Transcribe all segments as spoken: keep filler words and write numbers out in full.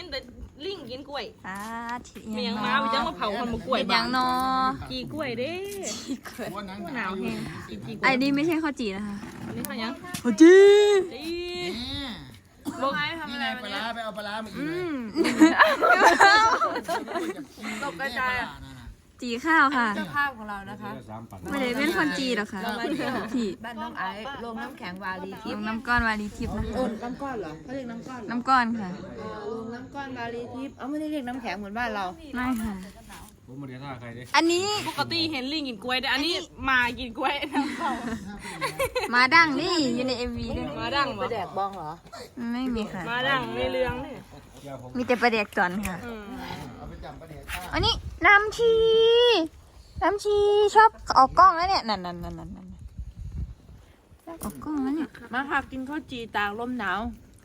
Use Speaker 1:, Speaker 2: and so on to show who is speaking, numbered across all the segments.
Speaker 1: ห็นแต่ลิงกินกล้วย
Speaker 2: อ่าที
Speaker 1: เมียงมาไปจังมาเผาคนมากล้วย
Speaker 2: ยังนอ
Speaker 1: จีกล้วยเด้
Speaker 2: จีกล้วย
Speaker 1: หนาวแห้งกินจีกล้
Speaker 2: ไอ้
Speaker 1: วย
Speaker 2: นี่ไม่ใช่ข้าวจีนะคะ
Speaker 1: อันนี้เขายัง
Speaker 2: ข้าวจี
Speaker 1: จี
Speaker 3: บอกให้ทำอะไรปลาร้าไปเอาปลาร้ามาอีกเลย
Speaker 1: ตกกระจาย
Speaker 2: จีข้าวค่ะ
Speaker 4: เจ้าภาพของเรานะคะ
Speaker 2: ไม่ได้เป็นคนจีหรอกค่ะที่
Speaker 4: บ้านน้องไอ้โรงน้ำแข็งวารีทิพย์
Speaker 2: น้ำก้อนวารีทิพย์นะคะ
Speaker 4: โอ้น้ำก้อนเหรอเขาเรียกน้ำก้อนเหรอ
Speaker 2: น้ำก้อนค่ะ
Speaker 4: อ๋อโรงน้ำก้อนวารีทิพย์เอาไม่ได้เรียกน้ำแข็งเหมือนบ้านเรา
Speaker 2: ไม่ค่ะ
Speaker 5: ผมมาเรียนท่าใครดิ
Speaker 2: อันนี้
Speaker 1: ปกติเห็นลิงกินกล้วยแต่อันนี้มากินกล้วยน้ำเผา
Speaker 2: มาดังนี่อยู่ในเอ็มวีด้วย
Speaker 1: มาดัง
Speaker 4: ป
Speaker 1: บ่
Speaker 4: ลาแดกบองเหรอ
Speaker 2: ไม่มีค่ะ
Speaker 1: มาดังในเรืองเนี่ย
Speaker 2: มีแต่ปลาแดกจอนค่ะ
Speaker 1: อืม
Speaker 3: เอาไปจับปลาเด็กข้า
Speaker 2: อันนี้น้ำชีน้ำชีชอบออกกล้องแล้วเนี่ยนั่นนั่นนั่นนั่นนั่นออกกล้องแล้วเนี่ย
Speaker 4: มาค่ะกินข้าวจีตากลมหนาว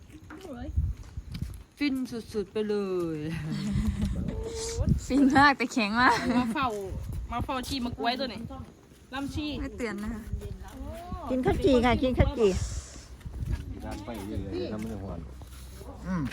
Speaker 4: ฟินสุดๆไปเลย
Speaker 2: ฟินมากแต่แข็งมาก
Speaker 1: มาเฝ้ามาเฝ้าชีมากล้วยตัวนี้ลำชี
Speaker 2: ไม่เตือนนะคะ
Speaker 4: กินข้าวจีค่ะกินข้าวจี
Speaker 5: ด้านไปเรื่อยๆทำมันหัว
Speaker 3: อืม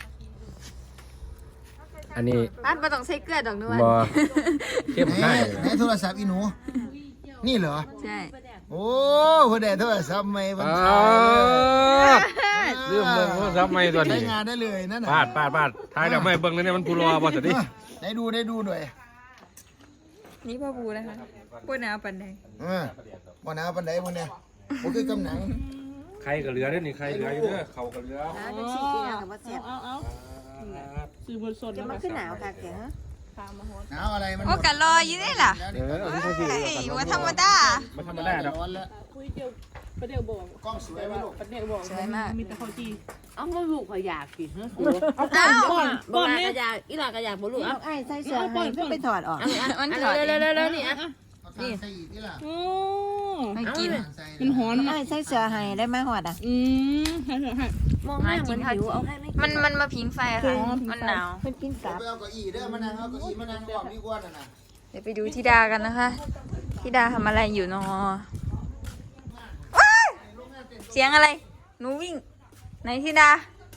Speaker 5: อันนี้
Speaker 2: บ้านมาต้องใช้เกลือดอกนวล
Speaker 5: บอเข้ม
Speaker 3: ไหน
Speaker 5: ข้น
Speaker 3: ไหนโทรศัพท์อีหนู นี่เหรอ
Speaker 2: ใช่
Speaker 3: โอ้คนเด็ดโทรศัพท์ไม่บรร
Speaker 5: อ้า
Speaker 3: ทัด
Speaker 5: วเรื่องเบิ่งโทรศัพท์ใหม่ตัว
Speaker 3: ใช้
Speaker 5: นี้
Speaker 3: งานได้เลยนั่นน่ะ
Speaker 5: ปาดปาดปาดท้ายดอกไม้เบิ่งแล้วเนี่ยมันผู้รอบ่สิดิ
Speaker 3: ได้ดูได้ดูหน่อย
Speaker 2: นี่พ่อบูนะคะพูดหนาวปันแดง
Speaker 3: เออวันหนาวปันไดวันเนี่ยผมคือกำหนัง
Speaker 5: ใครก็เหลือเด้อนี่ใครเหลืออยู่เด้อเขาก็เหลือ
Speaker 4: เป็นสีกินกับว่าเสียบ
Speaker 1: เอาเอาซื้อบนสด
Speaker 4: จะมาขึ้นหนาวค่ะแกฮะ
Speaker 1: ตามมาโหด
Speaker 3: หนาวอะไรมัน
Speaker 2: โอ้กันรออยู่ได้ล่ะ
Speaker 5: เออเอาที่เขาสิ
Speaker 2: เฮ้ยว่าธรรมดา
Speaker 5: ไม่ธรรมดาดอก
Speaker 3: ร้อนแล้ว
Speaker 1: คุยเดียวประเดี๋ยวบอก
Speaker 3: กล้องสวยไหมลูก
Speaker 1: ประเดี๋ยวบอก
Speaker 2: สวยมาก
Speaker 1: มีแต่ข้าวจี
Speaker 4: เอามาลูกเขาอยากกินฮะ
Speaker 1: เอาก่อนก่อนก่
Speaker 4: บ้า
Speaker 1: อน
Speaker 4: น
Speaker 1: เนี่
Speaker 4: ก
Speaker 1: ย
Speaker 4: ระยากอีหลากระยากบ่ลูกเอาไอ้ใส่เสื้อ
Speaker 1: เอาก่อนก่อน
Speaker 4: ไปถอดออก
Speaker 2: มันถอด
Speaker 4: เร็วๆๆๆนี่อ่ะ
Speaker 3: เอาทานใส่อีกนี่ล่ะ
Speaker 1: โอ้
Speaker 2: ไม่กิน
Speaker 3: ทานใส่
Speaker 1: เป็นหอน
Speaker 4: ไอ้ใส่เสื้อให้ได้ไหมหอดอ่ะ
Speaker 1: อืมให้เถอะให้
Speaker 4: มองหน้าเหมือนหิวเอาให้ไม่
Speaker 2: มันมันมาพิงไฟค่ะ มันหนาว
Speaker 4: มันกินกลับ
Speaker 3: ไปเอาเก้าอี้เด้อมานั่งเอาเก้าอี้มานั่งรอบนี้กว่าน่ะนะ
Speaker 2: เดี๋ยวไปดูธิดากันนะคะธิดาทำอะไรอยู่นอว้ายเสียงอะไร หนูวิ่งไหนธิดา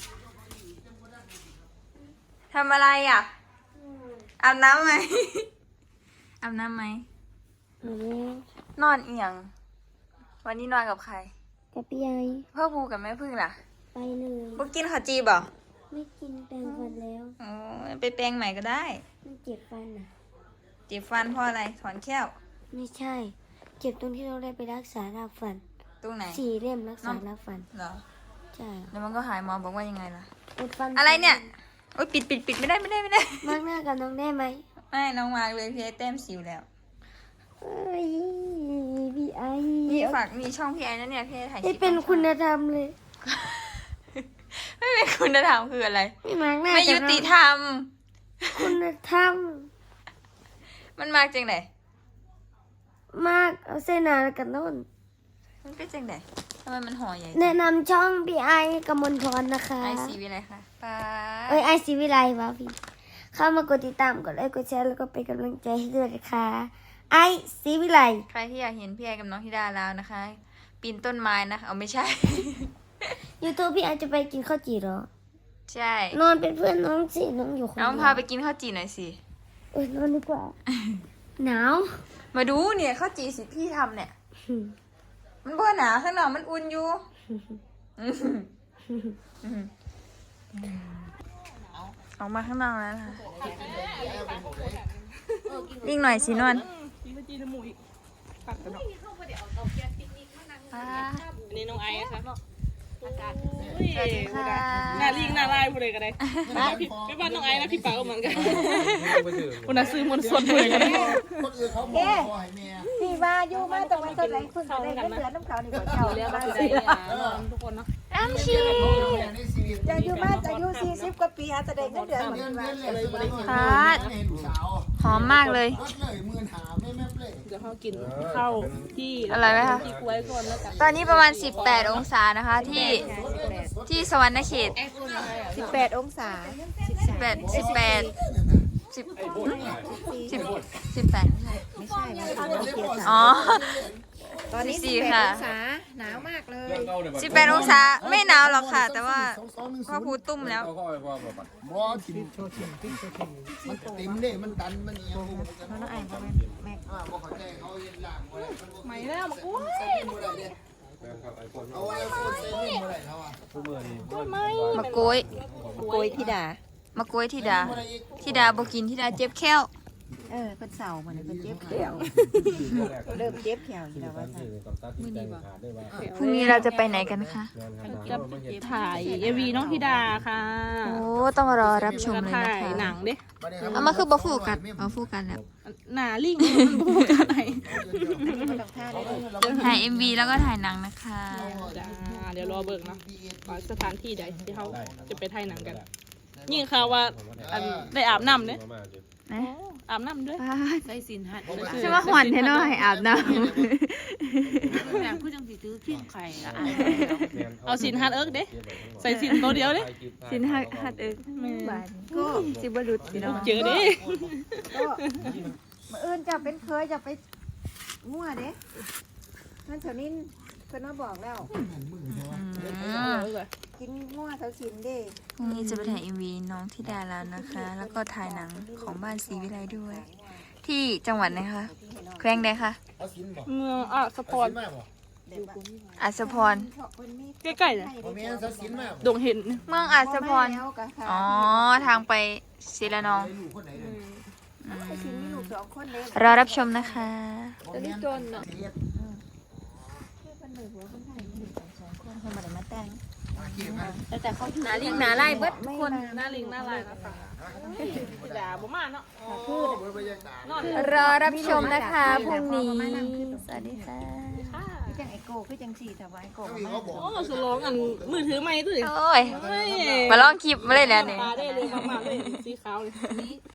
Speaker 2: ทำอะไรอ่ะ อาบน้ำไหม อาบน้ำไหม นอนเอียง วันนี้นอนกับใคร
Speaker 6: กับพี่ไอ
Speaker 2: พ่อภูกับแม่พึ่งล่ะ
Speaker 6: ไปเลย
Speaker 2: พวกกินข้าวจีบ่
Speaker 6: ไม่กินแปรงฟันแล้ว
Speaker 2: อ๋อไปแปรงใหม่ก็ได้
Speaker 6: มันเจ็บฟันอ่ะ
Speaker 2: เจ็บฟันเพราะอะไร ถอนแค้ว
Speaker 6: ไม่ใช่ เจ็บตรงที่เราได้ไปรักษารากฟัน
Speaker 2: ตรงไหน
Speaker 6: สี่เล่มรักษารากฟัน
Speaker 2: เหรอ
Speaker 6: ใช่
Speaker 2: แล้วมันก็หายหมอบอกว่ายังไงล่ะ
Speaker 6: อุดฟัน
Speaker 2: อะไรเนี่ย โอ๊ยปิดปิดปิดไม่ได้ไม่ได้ไม่ได้
Speaker 6: มากหน้ากับน้องได้ไหม
Speaker 2: ไม่น้องมาร์กเลยพี่ไอแต้มสิวแล้ว
Speaker 6: เอ้ยพี่ไอ
Speaker 2: นี่ฝากมีช่องพี่ไอนะเนี่ยพี่ไอถ่ายคลิ
Speaker 6: ไม่
Speaker 2: ป
Speaker 6: เป็นคุณธรรมเลย
Speaker 2: ไม่เป็นคุณธรรมคืออะไร
Speaker 6: ไม่มากหน้า
Speaker 2: ไม่
Speaker 6: กับ
Speaker 2: ยุ
Speaker 6: น้อง
Speaker 2: ติธรรม
Speaker 6: คุณธรรม
Speaker 2: มันมาจังไหน
Speaker 6: มากเอาเส้นหนากับโน่น
Speaker 2: มันเป็นจังไหนทำไมมันห่อใหญ่
Speaker 6: แนะนำช่องพี่ไอกมลพรนะคะ
Speaker 2: ไอซีวิอะไรคะป้า
Speaker 6: เอ้ยไอซีวิไลวะพี่ เข้ามากดติดตามกดไลค์กดแชร์แล้วก็เป็นกำลังใจให้ด้วยนะคะไอซีวิไล
Speaker 2: ใครที่อยากเห็นพี่ไอกับน้องธิดาแล้วนะคะ ปีนต้นไม้นะคะเอาไม่ใช่
Speaker 6: ยูทูบพี่ไอจะไปกินข้าวจี่เหรอ
Speaker 2: ใช่
Speaker 6: นอนเป็นเพื่อนน้องสิน้องอยู่คนเดี
Speaker 2: น้
Speaker 6: ยว
Speaker 2: องพาไปกินข้าวจีหน่อยสิ
Speaker 6: เออนอนดีกว่า หนาว
Speaker 2: มาดูเนี่ยข้าวจีสิพี่ทำเนี่ย มันบ่หนาข้างนอกมันอุ่นอยู่ออกมาข้างนอกแล้วค่ะวิ่งหน่อยสินวล
Speaker 1: กินข้าวจีน้ำหมูอีกตัดกันเนาะ
Speaker 2: ป้า
Speaker 1: อันนี้น้องไอซ์ครับ
Speaker 2: สวัสดีค่ะ
Speaker 1: หน้าลิงหน้าลายพูดเลยกันเลยไม่บ้านน้องไอซ์นะพี่เป๋าเหมือนกันคนน่ะซื้อมนต์สดเลยกันเลย
Speaker 3: คนอื่นเขาบอกขอให้แม่
Speaker 4: พี่มาอยู่มาตรงนั้นตรงไหนคุณจะได้เงินเดือนน้ำเขานี่ก็เช่า
Speaker 1: เรี
Speaker 4: แล้
Speaker 1: ยว ก
Speaker 4: บ้า
Speaker 1: ว่าน สิ
Speaker 4: สิ
Speaker 1: ได้ทุกคนเนาะ
Speaker 2: น้ำชี
Speaker 3: ในชีวิต
Speaker 4: จะอยู่มาจะอยู่สี่สิบกว่าปีหาจะได้เงินเดือนเหมือน
Speaker 3: เดือน
Speaker 4: กัน
Speaker 3: เดือนเลยเลย
Speaker 2: พัด
Speaker 3: ให้ลูกสาว
Speaker 2: หอมมากเลย
Speaker 3: รถเลยหมื่นหาไม่แม่เปล่
Speaker 1: เดี๋ยวเขากินข้าวที่
Speaker 2: อะไรไหมคะ
Speaker 1: ที่กล้วยก่อนแล้วกัน
Speaker 2: ตอนนี้ประมาณสิบแปดองศานะคะ ที่ที่สวรรณเขต
Speaker 4: สิบแปดองศา
Speaker 2: สิบแปดสิบแปดสิบสิบสิบแปด
Speaker 4: ไม่ใช่ไม่ใช่
Speaker 2: อ๋อ
Speaker 4: ตอนนี้
Speaker 2: สี่
Speaker 4: สิบแปด
Speaker 2: ค่ะ
Speaker 4: องศาหนาวมากเลย
Speaker 2: สิบแปดองศาไม่หนาวหรอกค่ะ แต่ว่าพ่อครูตุ้มแล้ว
Speaker 3: บ่ทิมมันเต็มเด้มันตันมันเอียงมัน
Speaker 4: น้องไอ้พ่อแม่แม่
Speaker 3: อ่าบ่เข้าใจเขาเฮ็ดล่างบ่ได้มันบ่
Speaker 1: ไม่แล้วมากุ้ย
Speaker 3: ใส่บ่ได้เด้เอาไว้คนใส่เล่นบ่ได้เขาอ่ะ
Speaker 1: กุ้ยไม่
Speaker 2: มะโกย
Speaker 4: โกยธิดาม
Speaker 2: ะโกยธิดาธิดาบ่กินธิดาเจ็บแค้ว
Speaker 4: เออเป็นเสาเหมือนเป็นเจ็บแขวเริ่มเจ็บแขวอยู่แล้วว่าซั่น
Speaker 2: พรุ่งนี้เราจะไปไหนกันคะ
Speaker 1: จะถ่ายเอวีน้องธิดาค่ะ
Speaker 2: โอ้ต้องรอรับชมเลย
Speaker 1: ถ่า
Speaker 2: นะ
Speaker 1: ย
Speaker 2: คะ
Speaker 1: หนังเด้
Speaker 2: เอามาคือบ่ฟูกันบ่ฟูกันแล้ว
Speaker 1: หนาลิงมันบูกันไหน
Speaker 4: บ่ต้องท่าได้เลย
Speaker 2: ถ่าย เอ็ม วี แล้วก็ถ่ายหนังนะคะ
Speaker 1: จ้าเดี๋ยวรอเบิกเนาะว่าสถานที่ใดที่เขาจะไปถ่ายหนังกันยิ่งข่าวว่าอันได้อาบน้ำเด้
Speaker 2: นะ
Speaker 1: อาบน้ำด้วย
Speaker 7: ใส่สินหัด
Speaker 2: ชื่อว่าหวนเทนอยอาบน้
Speaker 7: แบบคือจังสิซื้อขิ้งไข่ละอ่ะ
Speaker 1: เอาสินฮัดเอิร์กเด้ใส่สินตัวเดียวเด้
Speaker 2: ำสินหักหัดเอิกบานก็สิบรุษพี่น้อง
Speaker 1: เจอเด้
Speaker 4: ก็มื้ออื่นจะเป็นเคยจะไปมั่วเด้นั่นเถานี้เพิ่นมาบอกแล้ว กินมั่วเถาชินเด้
Speaker 2: พรุ่งนี้จะไปถ่าย เอ็ม วี น้องธิดาแล้วนะคะ แล้วก็ถ่ายหนังของบ้านศรีวิไลด้วย ที่จังหวัดไหนคะแขวงใดคะ
Speaker 3: เอาสินบ่
Speaker 1: เมืองอ่ะสปอร์ต
Speaker 3: สินมาบ่
Speaker 2: อัศพร
Speaker 1: ใกล้ๆเลย
Speaker 3: บ่แม่นเอาสินมาบ่
Speaker 1: ดงเห็น
Speaker 2: เมืองอัศพร
Speaker 4: แล้วก็ค่ะ
Speaker 2: อ๋อ ทางไปศิลานอง
Speaker 3: ลูกคนไหนเด้อ
Speaker 2: อืม
Speaker 4: ชินมีลูกสองคนเด้
Speaker 2: รอรับชมนะคะ
Speaker 3: บ่แม่นจนเนาะ
Speaker 4: เพิ่นเลยหัวคนไทยมีลูกสองคนเพิ่นบ่ได้มาแต่ง
Speaker 1: แต่เขา
Speaker 2: หนาลิงหนาไล่เบิด
Speaker 1: คน หน้าลิงหน้าลายนะคะด่าบ่มาเนาะ
Speaker 3: คือบ่อยากด่าน
Speaker 1: อน
Speaker 2: รอรับชมนะคะพรุ่งนี้ สวัสดีค่ะ
Speaker 4: คือจังไอโก้คือจังสี่แต่ว่าไอโก้
Speaker 3: เขามีเขาบอก
Speaker 1: โอ้สลองอันมือถือไม่ตุ้ย
Speaker 2: โอ้ย มาลองคลิปมาเลยแล้วนี่
Speaker 1: ตาได้เลยมากๆเลยสีขาวเลย